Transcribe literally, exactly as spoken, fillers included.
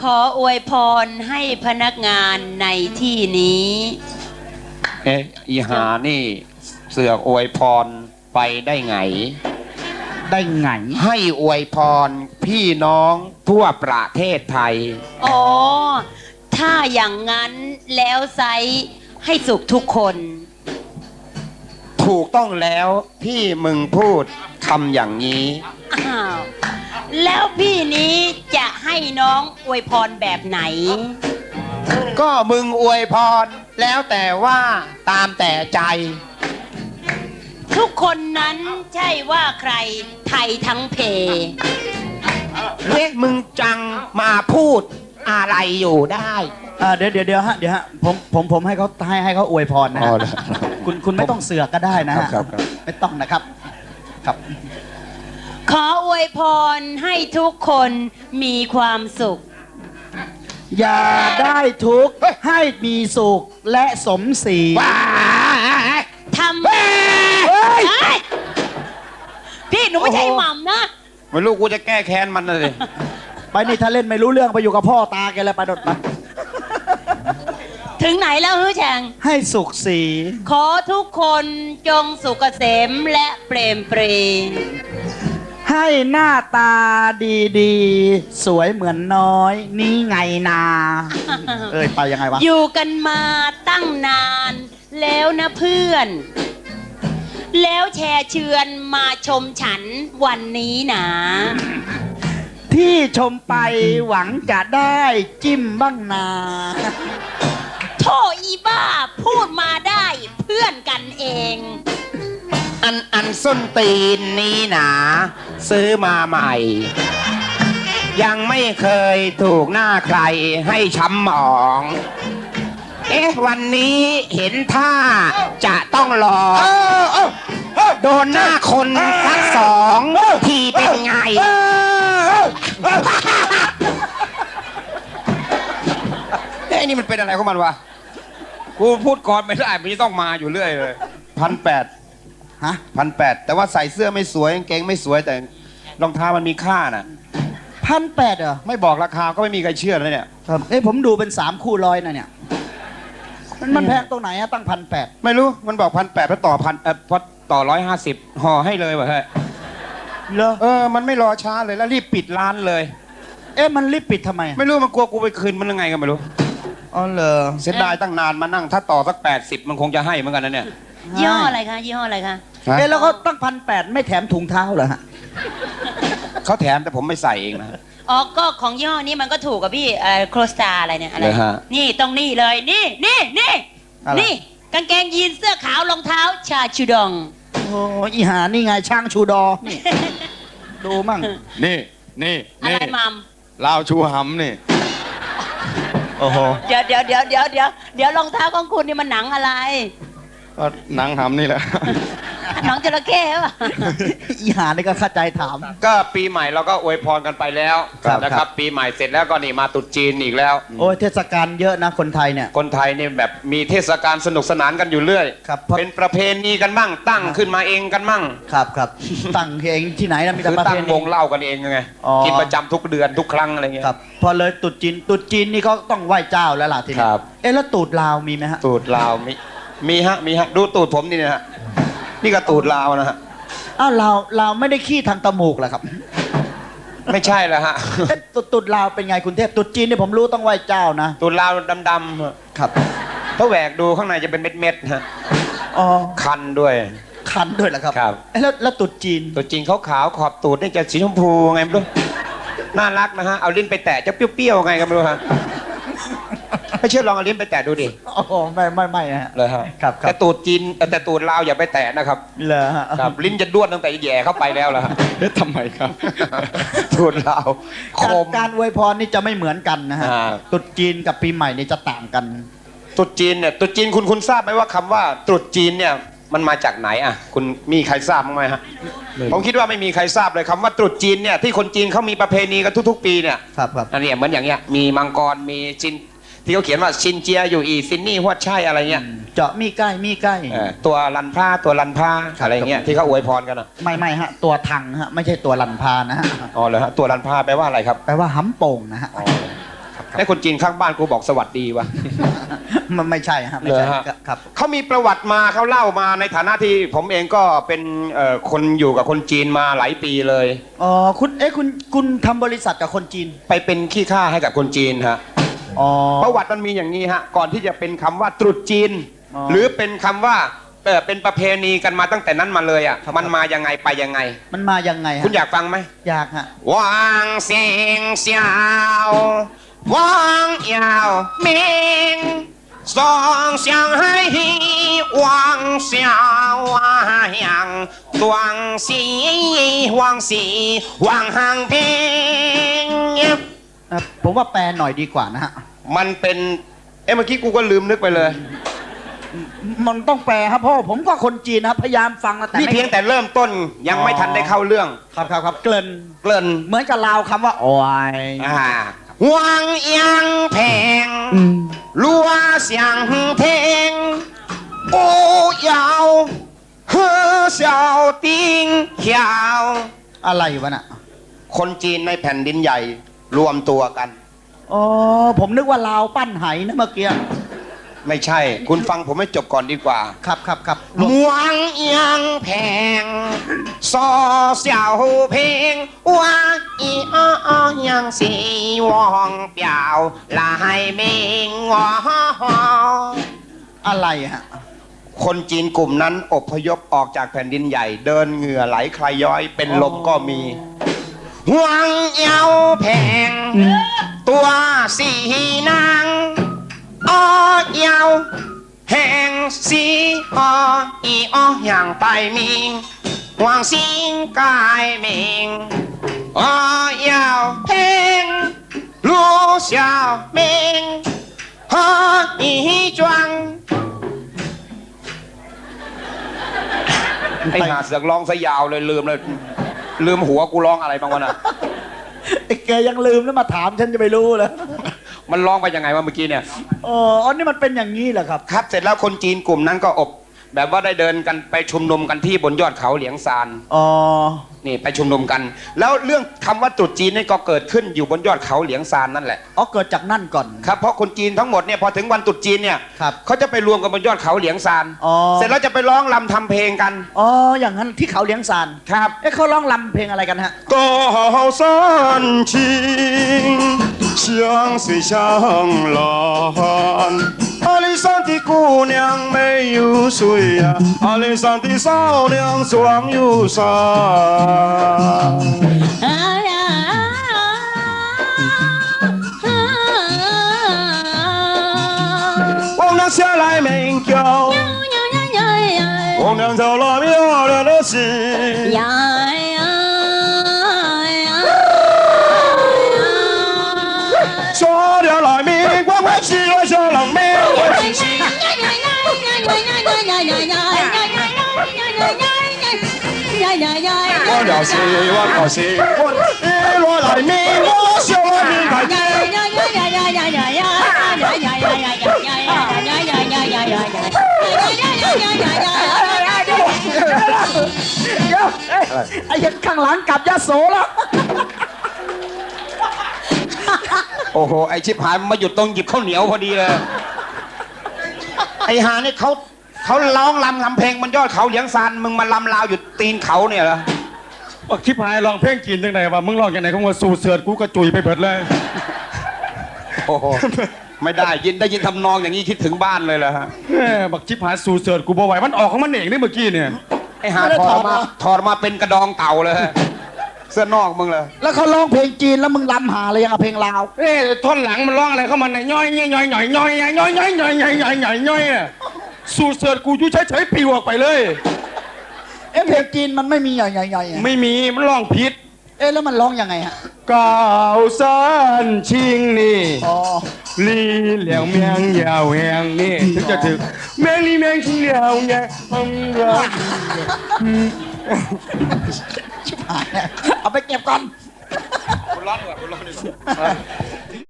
ขออวยพรให้พนักงานในที่นี้เอ๊ะอีหานี่เสือกอวยพรไปได้ไงได้ไงให้อวยพรพี่น้องทั่วประเทศไทยอ๋อถ้าอย่างนั้นแล้วไซให้สุขทุกคนถูกต้องแล้วที่มึงพูดคำอย่างนี้อ้าวแล้วพี่นี้จะให้น้องอวยพรแบบไหนก็มึงอวยพรแล้วแต่ว่าตามแต่ใจทุกคนนั้นใช่ว่าใครไทยทั้งเพเฮ้ยมึงจังมาพูดอะไรอยู่ได้อ่าเดี๋ยวเดี๋ยวเดี๋ยวฮะเดี๋ยวฮะผมผมผมให้เขาให้ให้เขาอวยพรนะฮะคุณคุณไม่ต้องเสือกก็ได้นะฮะไม่ต้องนะครับครับขออวยพรให้ทุกคนมีความสุขอย่าได้ทุกข์ให้มีสุขและสมศรีทำพี่หนูไม่ใช่หม่ำนะไม่รู้กูจะแก้แค้นมันเลยไปนี่ถ้าเล่นไม่รู้เรื่องไปอยู่กับพ่อตาแกเลยไปโดดไปถึงไหนแล้วฮือแฉงให้สุขสีขอทุกคนจงสุขเกษมและเปรมปรีให้หน้าตาดีๆสวยเหมือนน้อยนี่ไงนาเอ้ยไปยังไงวะอยู่กันมาตั้งนานแล้วนะเพื่อนแล้วแชร์เชือนมาชมฉันวันนี้นะที่ชมไปหวังจะได้จิ้มบ้างนาโธ่อีบ้าพูดมาได้เพื่อนกันเองอันอันส้นตีนนี้หนาซื้อมาใหม่ยังไม่เคยถูกหน้าใครให้ช้ำหมองเอ๊ะวันนี้เห็นท่าจะต้องรอโดนหน้าคนทั้งสองทีเป็นไงไอ้นี่มันเป็นอะไรของมันวะกูพูดก่อนไม่ได้มันจะต้องมาอยู่เรื่อยเลยพันแปดฮะพันแปดแต่ว่าใส่เสื้อไม่สวยกางเกงไม่สวยแต่รองเท้ามันมีค่าน่ะพันแปดเหรอไม่บอกราคาก็ไม่มีใครเชื่อเลยเนี่ยครับเอ้ผมดูเป็นสามคู่ร้อยนะเนี่ยมันแพงตรงไหนอะตั้งพันแปดไม่รู้มันบอกพันแปดพอต่อพันเออพอต่อร้อยห้าสิบห่อให้เลยวะเฮ้ยเหรอเออมันไม่รอช้าเลยแล้วรีบปิดร้านเลยเอ๊ะมันรีบปิดทำไมไม่รู้มันกลัวกูไปคืนมันยังไงก็ไม่รู้อ๋อเหรอเสียดายตั้งนานมานั่งถ้าต่อสักแปดสิบมันคงจะให้เหมือนกันนะเนี่ยยี่ห้ออะไรคะยี่ห้ออะไรคะเอ๊ะแล้วก็ตั้งพันแปดไม่แถมถุงเท้าเหรอฮะเขาแถมแต่ผมไม่ใส่เองนะอ๋อก็ของยี่ห้อนี้มันก็ถูกกับพี่เอ่อโครสตาอะไรเนี่ยอะไรนี่ต้องนี่เลยนี่นี่นี่นี่กางเกงยีนเสื้อขาวรองเท้าชาชูดองโอ้อีหานี่ไงช่างชูดอนี่ดูมั่งนี่นี่อะไรมัมลาวชูหำนี่โอ้โหเดี๋ยวเดี๋ยวเดี๋ยวเดี๋ยวเดี๋ยวเดี๋ยวรองเท้าของคุณนี่มันหนังอะไรก็หนังหำนี่แหละหนังจระเข้ป่ะอีหานี่ก็เข้าใจถามก็ปีใหม่เราก็อวยพรกันไปแล้วนะครับปีใหม่เสร็จแล้วก็นี่มาตรุษจีนอีกแล้วโอ้ยเทศกาลเยอะนะคนไทยเนี่ยคนไทยนี่แบบมีเทศกาลสนุกสนานกันอยู่เรื่อยครับเป็นประเพณีกันมั่งตั้งขึ้นมาเองกันมั่งครับครับตั้งเองที่ไหนนะมีแต่ประเพณีตั้งวงเล่ากันเองไงกินประจำทุกเดือนทุกครั้งอะไรเงี้ยครับพอเลยตรุษจีนตรุษจีนนี่ก็ต้องไหว้เจ้าแล้วล่ะทีนี้เอ๊ะแล้วตูดลาวมีไหมฮะตูดลาวมีมีฮะมีฮะดูตูดผมนี่นะฮะนี่ก็ตูดลาวนะฮะอ้าวลาวลาวไม่ได้ขี้ทางตมูกเหรอครับไม่ใช่แล้วฮะตูดตูดลาวเป็นไงคุณเทพตูดจีนนี่ผมรู้ต้องไหว้เจ้านะตูดลาวดำๆครับถ้าแหวกดูข้างในจะเป็นเม็ดๆฮะอ๋อคันด้วยคันด้วยเหรอครับครับแล้วแล้วตูดจีนตูดจีนขาวๆขอบตูดนี่จะสีชมพูไงไม่รู้น่ารักนะฮะเอาลิ้นไปแตะจะเปรี้ยวๆไงก็ไม่รู้ฮะไม่เชื่อลองเอาลิ้นไปแตะดูดิอ๋อไม่ไม่ไม่ฮะเลยฮะครับแต่ตูดจีนแต่ตูดลาวอย่าไปแตะนะครับเลยฮะครับลิ้นจะด้วนตั้งแต่แย่เข้าไปแล้วล่ะเอ๊ะทำไมครับตูดลาวการอวยพรนี่จะไม่เหมือนกันนะฮะตูดจีนกับปีใหม่นี่จะต่างกันตูดจีนเนี่ยตูดจีนคุณคุณทราบไหมว่าคำว่าตูดจีนเนี่ยมันมาจากไหนอ่ะคุณมีใครทราบมั้ยไหมฮะผมคิดว่าไม่มีใครทราบเลยคำว่าตรุษจีนเนี่ยที่คนจีนเขามีประเพณีกันทุกๆปีเนี่ยครับครับอันนี้เหมือนอย่างเงี้ยมีมังกรมีชินที่เขาเขียนว่าชินเจียอยู่อีซินนี่ฮวดช่ายอะไรเงี้ยเจาะมีใกล้มีใกล้ตัวลันผ้าตัวลันผ้าอะไรเงี้ยที่เขาอวยพรกันอ่ะไม่ไม่ฮะตัวทังฮะไม่ใช่ตัวลันพานะฮะอ๋อเหรอฮะตัวลันผ้าแปลว่าอะไรครับแปลว่าหำโป่งนะฮะครับไอ้คนจีนข้างบ้านกูบอกสวัสดีวะมันไม่ใช่ฮะไม่ใช่เหรอฮะครับเขามีประวัติมาเขาเล่ามาในฐานะที่ผมเองก็เป็นเอ่อคนอยู่กับคนจีนมาหลายปีเลยอ๋อคุณเอ๊ะคุณคุณทำบริษัทกับคนจีนไปเป็นขี้ข้าให้กับคนจีนฮะอ๋อประวัติมันมีอย่างนี้ฮะก่อนที่จะเป็นคำว่าตรุษจีนอ๋อหรือเป็นคำว่าเออเป็นประเพณีกันมาตั้งแต่นั้นมาเลยอ่ะครับมันมายังไงไปยังไงมันมายังไงฮะคุณอยากฟังไหมอยากฮะวางเสียงเสียววางยาวเมงสองเสียงให้วางเสียววางตวงสีวางสีวางห่างเพลงเอ่อผมว่าแปลหน่อยดีกว่านะฮะมันเป็นเอ้เมื่อกี้กูก็ลืมนึกไปเลยมันต้องแปลครับเพราะผมก็คนจีนนะครับพยายามฟังนะแต่นี่ไม่เพียงแต่เริ่มต้นยังไม่ทันได้เข้าเรื่องครับครับครับเกริ่นเกริ่นเหมือนกับลาวคำว่าโอ้ยอ่าวางยังแพงรัวเสียงเพลงโอ้ยาวเฮือเสียวติงเขียวอะไรวะน่ะคนจีนในแผ่นดินใหญ่รวมตัวกันอ๋อผมนึกว่าลาวปั้นไหนะเมื่อกี้ไม่ใช่ คุณฟังผมให้จบก่อนดีกว่าครับครับครับมวงยังแพงซอเสียวเพลงว่าอีอ้อยังสีวองเปียวลายเมงวออะไรฮะคนจีนกลุ่มนั้นอพยพออกจากแผ่นดินใหญ่ เดินเหงื่อไหลใครย้อยเป็นลมก็มีหวงเยาแพงตัวสีนางอ้อเยาแหงสีอ้ออีอ้ออย่างไปมิงหวงสิงกายมิงอ้อเยาแพงลูเสียวมิงอ้ออีจวง ไอ้หาเสือกร้องซะยาวเลยลืมเลยลืมหัวกูร้องอะไรบ้างวะน่ะไอ้แกยังลืมแล้วมาถามฉันจะไปรู้เลยมันร้องไปยังไงวะเมื่อกี้เนี่ยอ๋ออันนี้มันเป็นอย่างนี้เหรอครับครับเสร็จแล้วคนจีนกลุ่มนั้นก็อบ แบบว่าได้เดินกันไปชุมนุมกันที่บนยอดเขาเหลียงซานอ๋อนี่ไปชุมนุมกัน แล้วเรื่องคำว่าตรุษจีนนี่ก็เกิดขึ้นอยู่บนยอดเขาเหลียงซานนั่นแหละอ๋อเกิดจากนั่นก่อนครับเพราะคนจีนทั้งหมดเนี่ยพอถึงวันตรุษจีนเนี่ยครับเขาจะไปรวมกันบนยอดเขาเหลียงซานอ๋อเสร็จแล้วจะไปร้องรำทำเพลงกันอ๋ออย่างนั้นที่เขาเลี้ยงซานครับเอ๊ะเขาร้องลำเพลงอะไรกันฮะ高山青，相随相蓝。阿里山的姑娘没有水呀、阿里山的少娘壮有山。王娘下来鸣叫，王娘找了漂亮的心。说了来明，我我是我小人命，我是是。我了是我了是我一落来明，我小人命来见。 เดี๋ยวเอ้ยไอ้ข้างหลังกลับยะโสแล้วโอ้โหไอชิบหายมันมาหยุดตรงหยิบข้าวเหนียวพอดีเลยไอหานี่เขาเขาร้องรำทำเพลงบนยอดเขาเหลียงซานมึงมาลำลาวอยู่ตีนเขาเนี่ยเหรอบักชิบหายลองเพลงจีนจังไหนวะมึงลองจังไหนของว่าสู่เสือดกูกระจุยไปเบิดเลยโอ้โหไม่ได้ยินได้ยินทำนองอย่างนี้คิดถึงบ้านเลยเหรอฮะแม่บักชิบหายสู่เสือดกูบ่ไหวมันออกของมันเองนี่เมื่อกี้เนี่ยไอหาถอดออกมาถอดออกมาเป็นกระดองเต่าเลยเสื้อนอกมึงเลยแล้วเขาร้องเพลงจีนแล้วมึงลำหาอะไรยังกับเพลงลาวเอ๊ะท่อนหลังมันร้องอะไรเข้ามาเนี่ยย่อยย่อยย่อยย่อยย่อยย่อยย่อยย่อยย่อยย่อยย่อยย่อยอ่ะสู่เสือดกูอยู่เฉยๆปิวออกไปเลยเอ๊ะเพลงจีนมันไม่มีใหญ่ๆๆอะไม่มีมันร้องผิดเอ๊ะแล้วมันร้องยังไงฮะก้าวสันชิงนี่อ๋อลีเหลียวเมียงยาวแหงนี่ถึงจะถึงเมียงลีเมียงชิงเหลียวไงทำรักชิบหายแล้วเอาไปเก็บก่อนคุณร้อนกว่าคุณร้อน